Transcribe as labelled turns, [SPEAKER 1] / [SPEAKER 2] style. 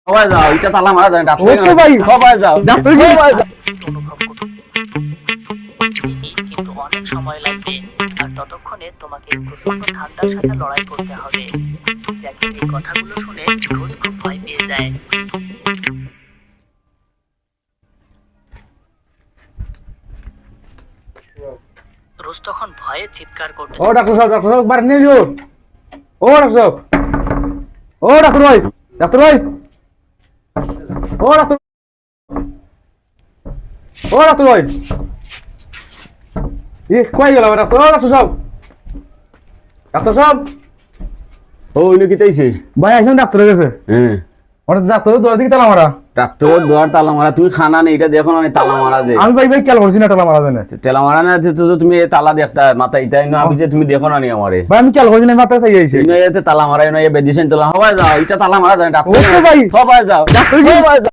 [SPEAKER 1] সবাই যাও, এটা তালা মারা যায় ডাক্তার।
[SPEAKER 2] ওকে ভাই।
[SPEAKER 1] সবাই যাও,
[SPEAKER 2] ডাক্তার কি?
[SPEAKER 1] সবাই যাও।
[SPEAKER 3] অনুভব করতে কিন্তু অনেক সময় লাগবে, আর ততক্ষণে তোমাকে প্রচন্ড ঠান্ডার সাথে লড়াই করতে হবে। জ্যাকের এই কথাগুলো শুনে রোজ খুব ভয় পেয়ে যায়। রোজ তখন ভয়ে চিৎকার করতে
[SPEAKER 2] ও ডাক্তার সাহেব বাড়ি নিয়ে যাও। ও ডাক্তার সাহেব, ও ডাক্তার ভাই, ডাক্তার ভাই, ও ডাক্তার, ও ডাক্তার ভাই, কই গেল ডাক্তার? ও ডাক্তার সাহেব, ডাক্তার সাহেব,
[SPEAKER 1] ও ওইলো কি তাইছে?
[SPEAKER 2] ভাই আইসেন ডাক্তার গেছে।
[SPEAKER 1] হ্যাঁ,
[SPEAKER 2] ওটা ডাক্তারের দোয়ার দিকে তালা মারা।
[SPEAKER 1] ডাক্তারের দুয়ার তালা মারা, তুমি খানা নেই এটা দেখো না তালা মারা যে।
[SPEAKER 2] আমি ভাই খেয়াল করছি না তালা মারা যায় না।
[SPEAKER 1] তেলা মারা না তো তুমি এ তালা দেখতা মাথা ইটাই না আমি যে তুমি দেখো না নি আমারে।
[SPEAKER 2] ভাই আমি খেয়াল করছি না, মাথায় চাই আইছে।
[SPEAKER 1] তুমি এতে তালা মারা না এ বেদিছেন তালা সবাই যাও, এটা তালা মারা যায় ডাক্তার।
[SPEAKER 2] ওকে ভাই।
[SPEAKER 1] সবাই যাও,
[SPEAKER 2] ডাক্তার কি?
[SPEAKER 1] সবাই যাও।